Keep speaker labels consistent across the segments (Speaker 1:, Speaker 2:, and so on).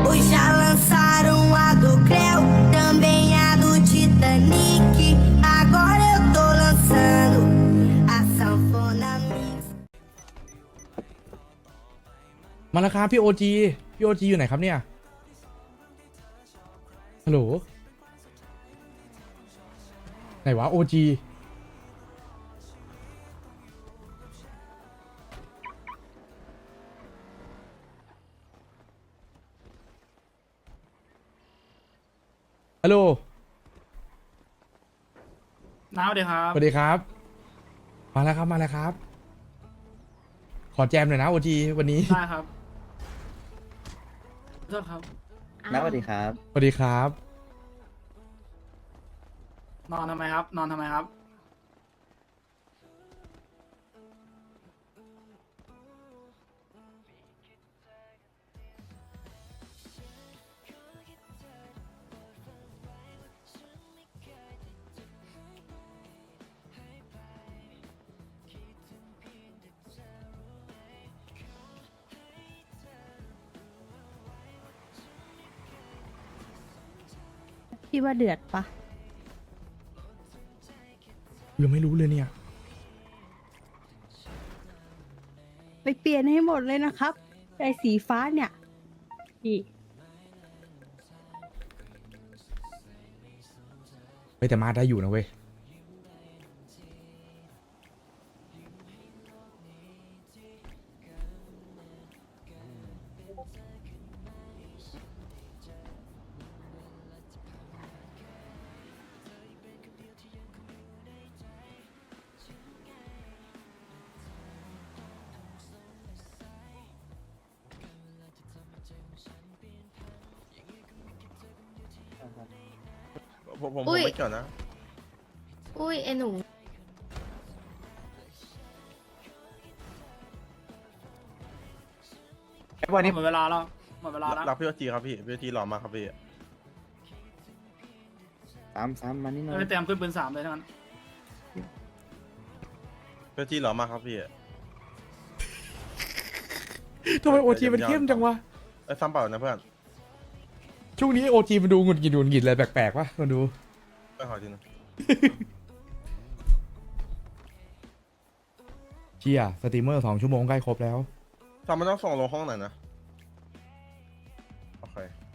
Speaker 1: Hoje já lançaram a do Creu, também a do Titanic. Agora eu tô lançando a sanfona mix.
Speaker 2: มาแล้วครับพี่โอจีพี่โอจีอยู่ไหนครับเนี่ยฮัลโหลไหนวะโอจีฮัลโหล
Speaker 3: น้าสวัสดีครับ
Speaker 2: สวัสดีครับมาแล้วครับมาแล้วครับขอแจมหน่อยนะโอจีวันนี้
Speaker 3: ได้ครับขอโทษครับ
Speaker 4: น้าสวัสดีครับ
Speaker 2: สวัสดีครับ
Speaker 3: นอนทำไมครับ นอนทำไมครับ
Speaker 5: พี่ว่าเดือดปะ
Speaker 2: ยังไม่รู้เลยเนี่ย
Speaker 5: ไปเปลี่ยนให้หมดเลยนะครับไอ้สีฟ้าเนี่ยพี่
Speaker 2: เฮ้ยแต่มาได้อยู่นะเว้ย
Speaker 6: ผม
Speaker 7: อุ้ย
Speaker 6: ไม่เกี่ยวนะ
Speaker 7: อุ้ยไอหนู
Speaker 4: วันนี้
Speaker 3: หมดเวลาแล้ว หมดเวลาแล้ว
Speaker 6: รักพี่โอจีครับพี่พี่โอจีหล่อมากครับพี่
Speaker 4: ซ้ำมานี่หน่อย
Speaker 3: ไปเตรียมขึ้นปืน3เลยทั้งนั้น
Speaker 6: พี่โอจีหล่อมากครับพี่
Speaker 2: ทำไมโอจีมันเข้มจังวะ
Speaker 6: ซ้ำเปล่านะเพื่อน
Speaker 2: ช่วงนี้โอจีมันดูหงุดหงิดอะไรแปลกๆวะมาดู
Speaker 6: ไปขอทีนึง
Speaker 2: เชียสตรีมเมอร์2 ชั่วโมงใกล้ครบแล้ว
Speaker 6: ซ้ำมันต้องส่งลงห้องไหนนะโอเค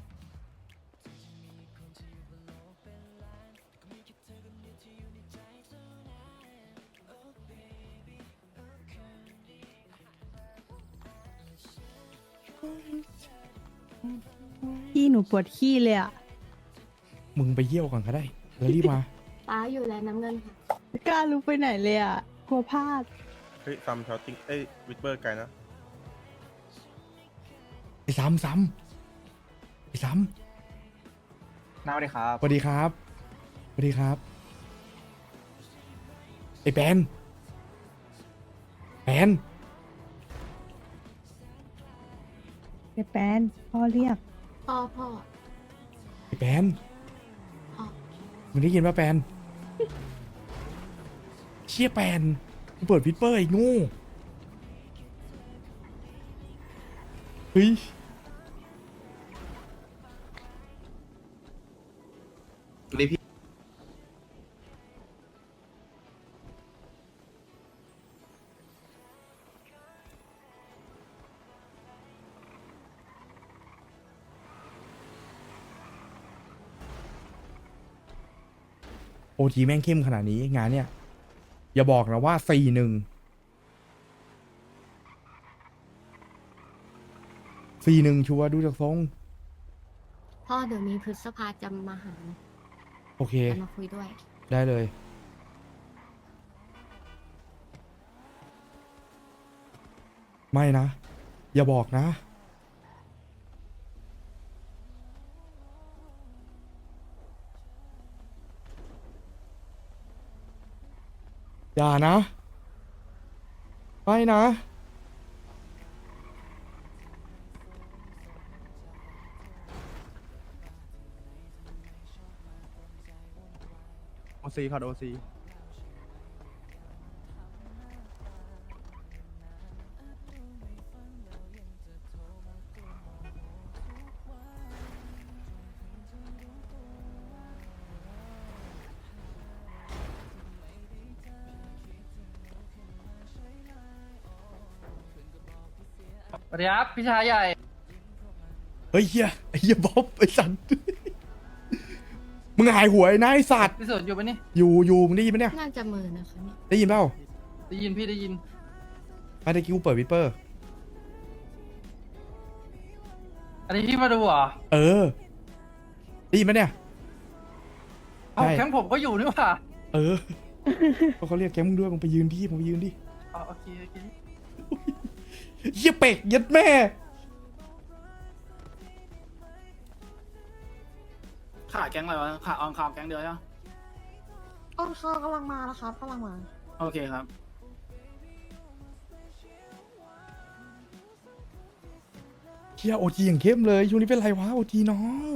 Speaker 5: พี่หนูปวดขี้เลยอ่ะ
Speaker 2: มึงไปเยี่ยวก่อนก็ได้แล้วรีบมา
Speaker 7: ป้าอยู่แล้วน้ำเงินค่ะ
Speaker 5: ไม่กล้าลุกไปไหนเลยอ่ะกลัวพลาด
Speaker 6: เฮ้ยซ้ำชอตติ้งวิดเบอร์ไกลนะ
Speaker 2: ไอ้ซ้ำไอ้ซ้
Speaker 4: น้าสวัสดีครับ
Speaker 2: ำสวัสดีครับสวัสดีครับไอ้แปน
Speaker 5: เดแปนพ่อเรียก
Speaker 7: พ่อ
Speaker 2: ไอ้แปน
Speaker 7: พ่อ
Speaker 2: มึงได้ยินป่ะแปนเชี่ยแปนมึงเปิดวิดเปอร์ไอ้โง่เฮ้ยโอทีแม่งเข้มขนาดนี้งานเนี่ยอย่าบอกนะว่า4-1ชัวร์ดูจากทรง
Speaker 7: พ่อเดี๋ยวมีพฤษภาจะมาหา
Speaker 2: โอเค
Speaker 7: จะมาคุยด้วย
Speaker 2: ได้เลย ไม่นะ อย่าบอกนะ อย่านะ ไม่นะ
Speaker 4: โอซีครับโอซี
Speaker 8: วัสดีครับพี่ชายใหญ่
Speaker 2: เฮ้ยเฮียไอ้เฮียบ๊อบไอ้สัตว์ มึงหายหัวไอ้นายสัตว์
Speaker 8: พี่สุดอยู่ปะนี่
Speaker 2: อยู่มึงได้ยินไหมเนี่ย
Speaker 7: น่าจะมือนะคะเนี่ย
Speaker 2: ได้ยินเปล่า
Speaker 8: ได้ยินพี่ได้ยิน
Speaker 2: ไม่ได้กิ้วเปิดวิดเปอร์
Speaker 8: อันนี้พี่มาดูเหรอ
Speaker 2: เออ ได้ยินไหมเนี่ย
Speaker 8: เอ้า
Speaker 2: ใช่
Speaker 8: แข้งผมก็อยู่นี่หว่า
Speaker 2: เออ ก็เขาเรียกแกมึงด้วยมึงไปยืนที่มึงไปยืนดิ
Speaker 8: อ๋อโอเคโอเค
Speaker 2: เฮียเป็กยัดแม่
Speaker 3: ขาดแก๊งอะไรวะขาดออนข่าวแก๊งเดียวใช่ไหม
Speaker 9: ออนคากำลังมาแล้วครับกำลังมา
Speaker 3: โอเคครับ
Speaker 2: เฮียโอจีอย่างเข้มเลยช่วงนี้เป็นไรวะโอจีน้อง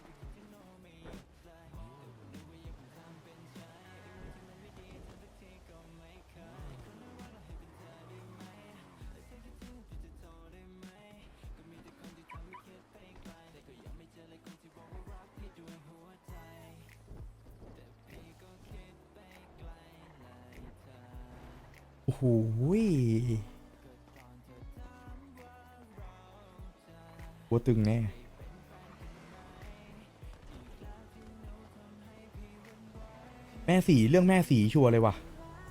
Speaker 2: โอ้โหหัวตึงแน่ แม่สีเรื่องแม่สีชัวร์เลยว่ะ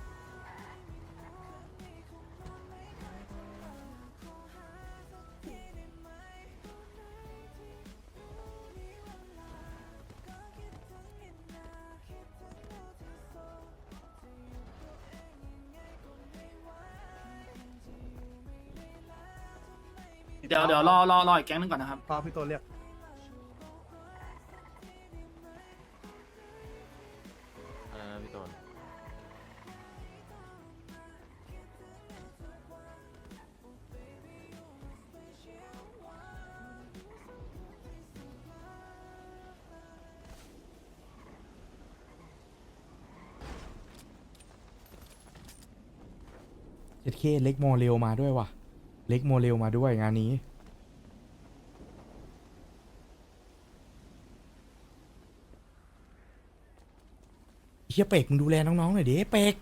Speaker 3: เดี๋ยวรออีกแก๊งนึงก่อนนะครับ
Speaker 4: พอพี่ตัวเรียก
Speaker 6: อะไรนะพี่ต้น
Speaker 2: เจ็ดเคเล็กโมเรลมาด้วยว่ะ เล็กโมเรลมาด้วยงานนี้ เฮียเป็กมึงดูแลน้องๆหน่อยดิเป็ก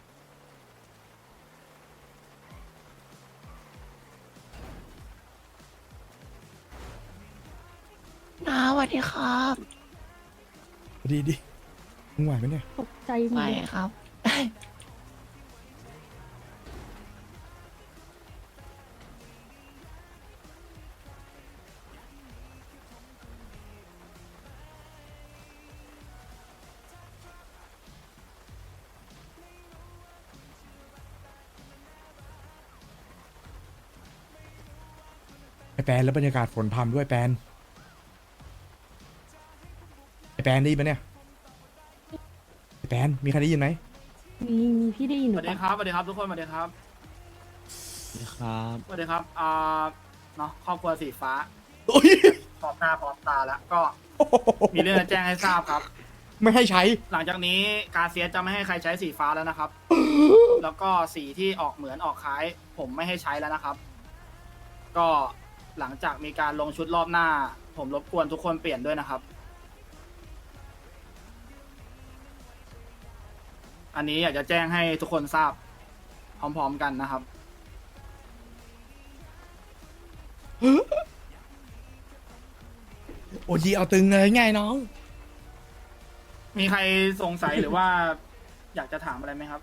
Speaker 9: น้าสวัสดีครับ
Speaker 2: ดีดิมึงไหวไหมเนี่ย
Speaker 5: ตกใจหม
Speaker 9: ไป
Speaker 5: ดเลย
Speaker 9: ครับ
Speaker 2: ไอแปนแล้วบรรยากาศฝนพรำด้วยแปนไอแปนได้ยินปะเนี่ยไอแปนมีใครได้ยินไหม
Speaker 5: มีพี่ได้ยิน
Speaker 3: ส
Speaker 5: หรื
Speaker 3: วั
Speaker 5: อ
Speaker 3: ส
Speaker 5: เป
Speaker 3: ดี
Speaker 5: ล่า
Speaker 3: ครับสวัสดีครับทุกคนสวัสดีครับ
Speaker 4: ครับ
Speaker 3: สวัสดีครับเนาะครอบครัวสีฟ้า
Speaker 2: โอ้ย
Speaker 3: พร้อมหน้าพร้อมตาแล้วก็มีเรื่องจะแจ้งให้ทราบครับ
Speaker 2: ไม่ให้ใช้
Speaker 3: หลังจากนี้กาเซียสจะไม่ให้ใครใช้สีฟ้าแล้วนะครับ แล้วก็สีที่ออกเหมือนออกคล้าย ผมไม่ให้ใช้แล้วนะครับ ก็หลังจากมีการลงชุดรอบหน้า ผมรบกวนทุกคนเปลี่ยนด้วยนะครับ อันนี้อยากจะแจ้งให้ทุกคนทราบ พร้อมๆกันนะครับ
Speaker 2: โอจีเอาตึงเลยไงน้อง
Speaker 3: มีใครสงสัยหรือว่า อยากจะถามอะไรไหมครับ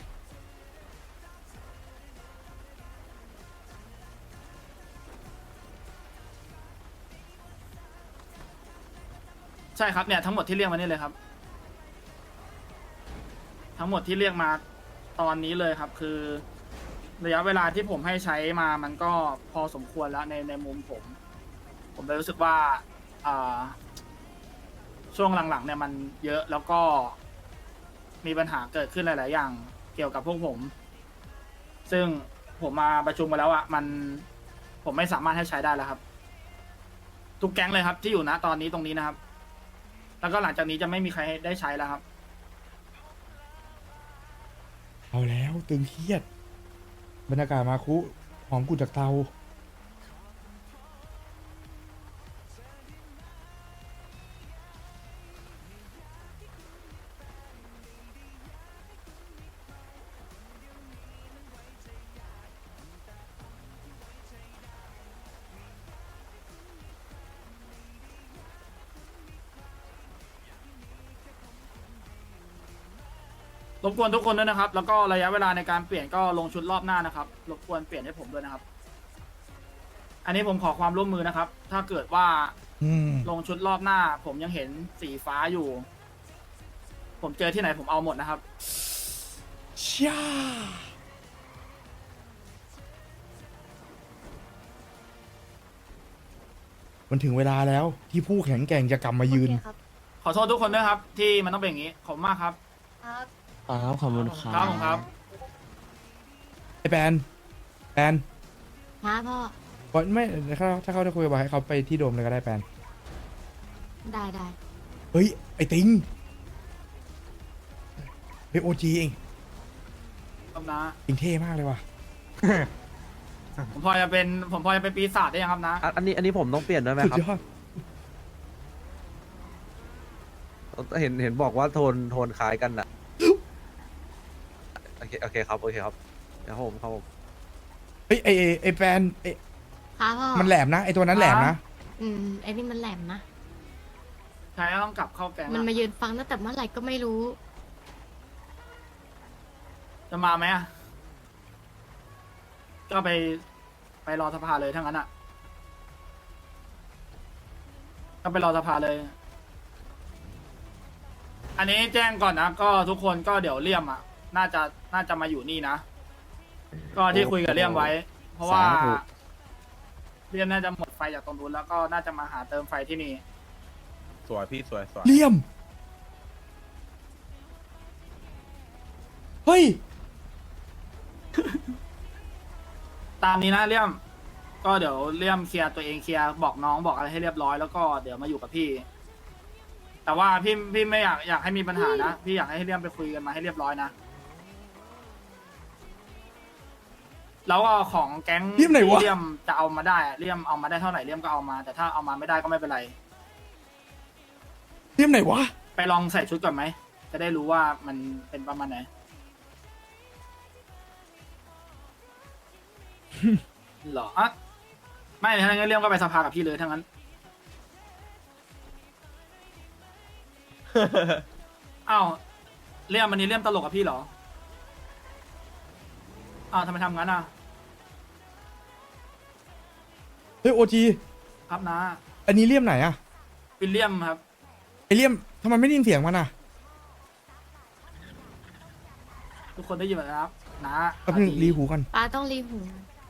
Speaker 3: ใช่ครับเนี่ยทั้งหมดที่เรียกมานี่เลยครับ ทั้งหมดที่เรียกมาตอนนี้เลยครับ คือระยะเวลาที่ผมให้ใช้มามันก็พอสมควรแล้วในมุมผม ผมเลยรู้สึกว่าช่วงหลังๆเนี่ยมันเยอะแล้วก็มีปัญหาเกิดขึ้นหลาย ๆ อย่างเกี่ยวกับพวกผม ซึ่งผมมาประชุมมาแล้วอะผมไม่สามารถให้ใช้ได้แล้วครับ ทุกแก๊งเลยครับ ที่อยู่ณตอนนี้ตรงนี้นะครับ แล้วก็หลังจากนี้จะไม่มีใครได้ใช้แล้วครับ
Speaker 2: เอาแล้วตึงเครียด บรรยากาศมาคุหอมกุจากเตา
Speaker 3: รบกวนทุกคนด้วยนะครับ แล้วก็ระยะเวลาในการเปลี่ยนก็ลงชุดรอบหน้านะครับรบกวนเปลี่ยนให้ผมด้วยนะครับ อันนี้ผมขอความร่วมมือนะครับ ถ้าเกิดว่า
Speaker 2: อืม
Speaker 3: ลงชุดรอบหน้า ผมยังเห็นสีฟ้าอยู่ ผมเจอที่ไหนผมเอาหมดนะครับ
Speaker 2: ช่ามันถึงเวลาแล้วที่ผู้แข็งแกร่งจะกลับมายืน
Speaker 9: โอเคครับ
Speaker 3: ขอโทษทุกคนด้วยครับ ที่มันต้องเป็นอย่างนี้ขอบคุณมากครับ
Speaker 9: ครับ
Speaker 4: ครับขอบคุณครั
Speaker 3: ครับผมครับ
Speaker 2: ไอ้แปนแปน
Speaker 7: นะพ่อ
Speaker 2: ก่อนไม่ถ้าเขาจะคุยบอกให้เขาไปที่โดมเลยก็ได้แปน
Speaker 7: ได้ได้
Speaker 2: เฮ้ย ไอ้ติงเฮ้ยโอจีเอง
Speaker 3: ครับนะ
Speaker 2: ติงเท่มากเลยว่ะ
Speaker 3: ผมพอจะเป็นปีศาจได้ยังครับนะ
Speaker 4: อันนี้ผมต้องเปลี่ยนด้วยไหม
Speaker 2: สุด
Speaker 4: ครับ
Speaker 2: ยอด
Speaker 4: เห็นบอกว่าโทนคล้ายกันอะโอเคครับครับผม
Speaker 2: เฮ้ยไอ้แปนไอ้
Speaker 7: ครับพ่อ
Speaker 2: มันแหลมนะไอ้ตัวนั้นแหลมนะ
Speaker 7: ไอ้นี่มันแหลมนะ
Speaker 3: ใช่ต้องกลับเข้าแก๊ง
Speaker 7: มัน
Speaker 3: อะ
Speaker 7: มายืนฟังตั้งแต่เมื่อไหร่ก็ไม่รู้
Speaker 3: จะมาไหมอะก็ไปรอสภาเลยทั้งนั้นอ่ะ ก็ไปรอสภาเลย อันนี้แจ้งก่อนนะ ก็ทุกคนก็เดี๋ยวเลี่ยมอ่ะ น่าจะมาอยู่นี่นะ ก็ที่คุยกับเลี่ยมไว้ เพราะว่า
Speaker 4: สาธุ
Speaker 3: เลี่ยมน่าจะหมดไฟจากตรงนู้นแล้วก็น่าจะมาหาเติมไฟที่นี่
Speaker 6: สวยพี่สวย
Speaker 2: เลี่ยม เฮ้ย
Speaker 3: ตามนี้นะเลี่ยม ก็เดี๋ยวเลี่ยมเคลียร์ตัวเองเคลียร์บอกน้องบอกอะไรให้เรียบร้อยแล้วก็เดี๋ยวมาอยู่กับพี่ แต่ว่าพี่ไม่อยากให้มีปัญหานะพี่อยากให้เลี่ยมไปคุยกันมาให้เรียบร้อยนะแล้วก็ของแก๊ง
Speaker 2: เลี่ยมไหนวะ
Speaker 3: ที่เลี่ยมจะเอามาได้อะเลี่ยมเอามาได้เท่าไหร่เลี่ยมก็เอามา แต่ถ้าเอามาไม่ได้ก็ไม่เป็นไร
Speaker 2: เลี่ยมไหนวะ
Speaker 3: ไปลองใส่ชุดก่อนไหมจะได้รู้ว่ามันเป็นประมาณไหน หรออ่ะไม่ถ้างั้นเลี่ยมก็ไปสภากับพี่เลยทั้างนั้น อ้าวเลี่ยมวันนี้เลี่ยมตลกกับพี่เหรออ้าวทำไมทำงั้นอ่ะ
Speaker 2: เฮ้ยโอจี
Speaker 3: ครับนะ
Speaker 2: อันนี้เลี่ยมไหนอะ
Speaker 3: วิลเลียมครับ
Speaker 2: ไอเลี่ยมทำไมไม่ได้ยินเสียงมันอะ
Speaker 3: ทุกคนได้ยินไหมครับนะ
Speaker 2: แป๊บนึงรีหูกัน
Speaker 7: ป้าต้องรีหู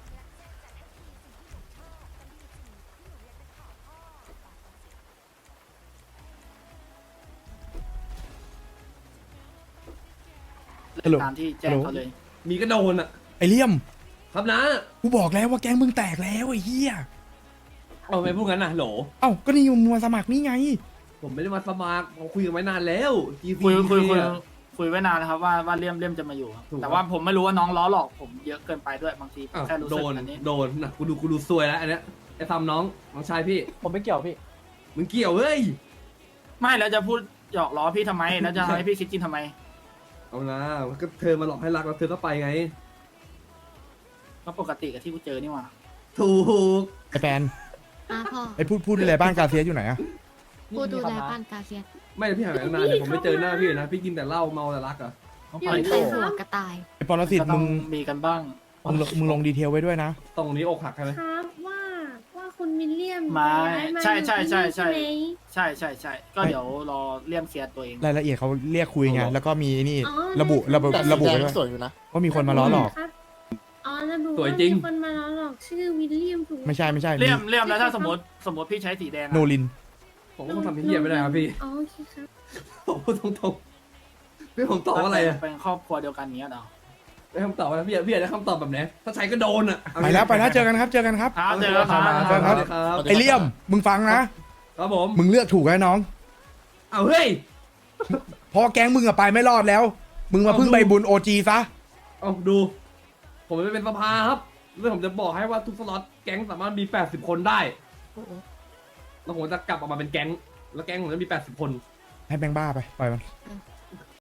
Speaker 2: ฮัลโหล
Speaker 3: ตามที่แจ้งเขาเลย
Speaker 10: มีกระโดนอ่ะ
Speaker 2: ไอเลี่ยม
Speaker 10: ครับนะ
Speaker 2: กูบอกแล้วว่าแก๊งมึงแตกแล้วไอ้เหี้ย
Speaker 10: เอาไปพูดงั้นนะโหล
Speaker 2: เอ้าก็นี่มึงมาสมัครนี่ไง
Speaker 10: ผมไม่ได้มาสมัครผมคุยกันไว้นานแล้ว GC
Speaker 3: คุยไว้นานนะครับว่าเลี่ยมจะมาอยู่ครับ
Speaker 10: ถูก
Speaker 3: แต่ว่าผมไม่รู้ว่าน้องล้อหลอกผมเยอะเกินไปด้วยบางทีผม
Speaker 10: อ้าว
Speaker 3: แค่รู้
Speaker 10: โด
Speaker 3: สึก
Speaker 10: น
Speaker 3: อันนี้
Speaker 10: โดนนะกูดูซวยแล้วอันเนี้ยไอ้ทำน้องชายพี่
Speaker 8: ผมไม่เกี่ยวพี่
Speaker 10: มึงเกี่ยวเว้ย
Speaker 3: ไม่แล้วจะพูดหยอกล้อพี่ทำไม แล้วจะทำให้พี่คิดจริงทำไม
Speaker 10: เอานะก็เธอมาหลอกให้รักแล้วเธอก็ไปไง
Speaker 3: ก็ปกติกับที่กูเจอนี่หว่า
Speaker 10: ถูก
Speaker 2: ไอแปน
Speaker 7: พ่อ
Speaker 2: ไอพูดอะไรบ้านกาเซียสอยู่ไหนอะ
Speaker 7: ผู้ดูแลบ้านกาเซียส
Speaker 10: ไม่พี่หายไปตั้งนานเลยผมไม่เจอหน้าพี่เลยนะพี่กินแต่เหล้าเมาแต่รักอ่ะ
Speaker 7: อยู่ใส่หัวกระต่าย
Speaker 2: ไอปรสิต
Speaker 3: ก็ต้
Speaker 2: มึ
Speaker 3: อง
Speaker 2: ง
Speaker 3: มีกันบ้าง
Speaker 2: มึงลงดีเทลไว้ด้วยนะ
Speaker 10: ตรงนี้อกหักใช่ไหม
Speaker 9: ครับว่าคุณวิลเลียม
Speaker 3: มา
Speaker 9: ย้ายมา
Speaker 3: ใช่
Speaker 9: อยู่
Speaker 3: ใช่
Speaker 9: ที่
Speaker 3: ใช่
Speaker 9: นี่
Speaker 3: ใช่
Speaker 9: ไหม
Speaker 3: ใช่ก็เดี๋ยวรอเลี่ยมเคลียร์ตัวเอง
Speaker 2: รายละเอียดเขาเรียกคุยไง แล้วก็มีนี่
Speaker 9: อ๋อ
Speaker 2: ระบุไว้ด้วย
Speaker 6: สวยอยู่นะ
Speaker 2: ว่ามีคนมาล้อหลอก
Speaker 9: ครับอ๋อระบุ
Speaker 10: สวย
Speaker 9: ว่า
Speaker 10: จริง
Speaker 9: มีคนมาล้อหลอกชื่อวิลเลียมถูกไหม
Speaker 2: ไม่ใช่
Speaker 3: เลี่ยมแล้วถ้าสมมติพี่ใช้สีแดงอะ
Speaker 2: โนลิน
Speaker 10: ผมก็คงทำเหี้ยไม่ได้ครับพี่
Speaker 9: อ๋อโอเคครับ
Speaker 10: ผมพูดตรงๆพี่ผมตอบว่าอะไรอ่ะ
Speaker 3: เป็นครอบครัวเดียวกันเนี้ยเนาะ
Speaker 10: ได้คำตอบว่าพี่อยากได้คำตอบแบบไหนถ้าใช้ก็โดนอ่ะ
Speaker 2: ไปแล้วเจอกันครับ
Speaker 3: ครับเจอกันครับ
Speaker 2: เจอกันครับ
Speaker 10: ครับ
Speaker 2: ไอเลี่ยม มึงฟังนะ
Speaker 10: ครับผม
Speaker 2: มึงเลือกถูกแล้วน้อง
Speaker 10: เอาเฮ้ย
Speaker 2: พอแก๊งมึงอะไปไม่รอดแล้ว มึงมาพึ่งใบบุญโอจีซะ
Speaker 10: เอาดู ผมไม่เป็นสภาครับแล้วผมจะบอกให้ว่าทุกสล็อตแก๊งสามารถมี80คนได้
Speaker 7: โอ้โห
Speaker 10: แล้วผมจะกลับออกมาเป็นแก๊ง แล้วแก๊งผมจะมี80คน
Speaker 2: ให้แบงค์บ้าไป ปล่อยมัน